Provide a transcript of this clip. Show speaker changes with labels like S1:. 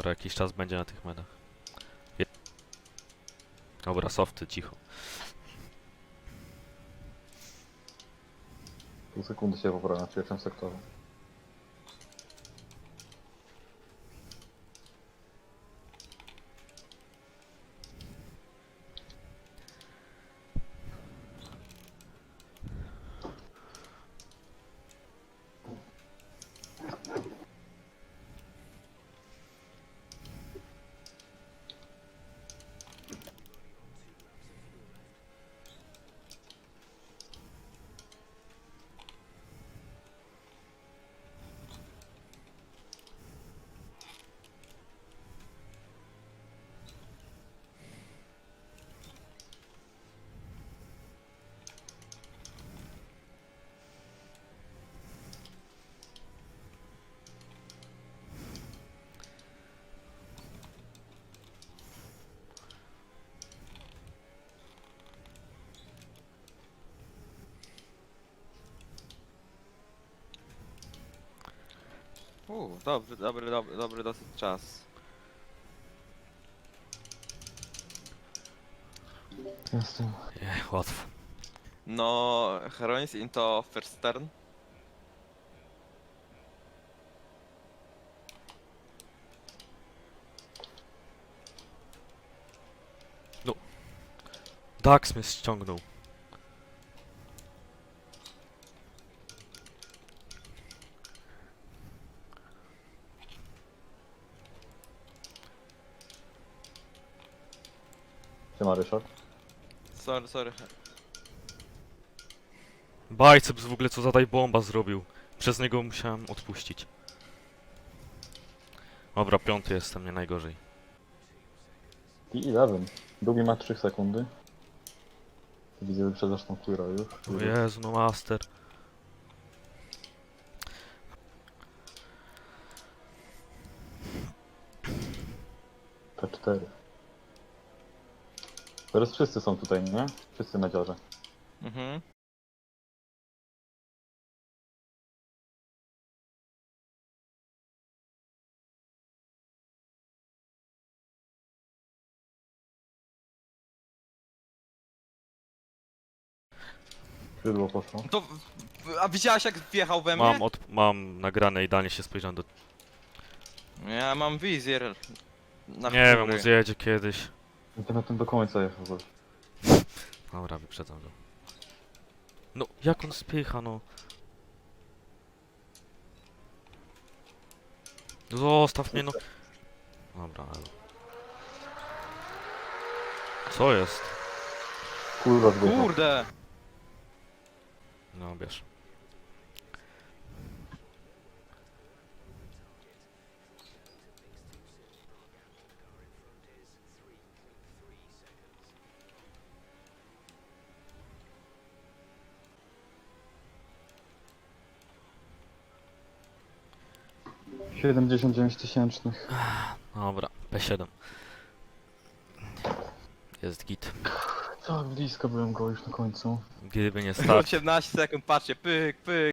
S1: Dobra, jakiś czas będzie na tych medach. Dobra, softy, cicho.
S2: Pół sekundy się poprawię na pierwszym sektorze.
S3: Dobry dosyć czas.
S2: Jestem.
S1: Nie, łatwo.
S3: No, Heroines into first turn.
S1: Dax mnie ściągnął.
S2: Siema Ryszard.
S3: Sorry.
S1: Biceps w ogóle co zadaj bomba zrobił. Przez niego musiałem odpuścić. Dobra, piąty jestem, nie najgorzej.
S2: I 11. Drugi ma 3 sekundy. Widzę, że przedasz tą Queera już.
S1: O Jezu, no master.
S2: P4. Teraz wszyscy są tutaj, nie? Wszyscy na dziarze.
S3: Mhm.
S2: Skrzydło poszło.
S3: To... A widziałaś jak wjechał we mnie?
S1: Mam nagrane, idealnie się spojrzałem do...
S3: Ja mam wizjer. Na
S1: Nie wiem,
S3: chmury.
S1: on zjedzie kiedyś.
S2: I na tym do końca jechał goś.
S1: Dobra, wyprzedzam go. No, jak on spycha, no. Zostaw mnie, no. Dobra, ale... Co jest?
S2: Kurwa zgodna.
S3: Kurde!
S1: No, bierz.
S2: — 79 tysięcznych.
S1: Dobra, P7. Jest git.
S2: Tak blisko byłem go już na końcu.
S1: Gdyby nie stać.
S3: 18 sekund, patrzcie, pyk.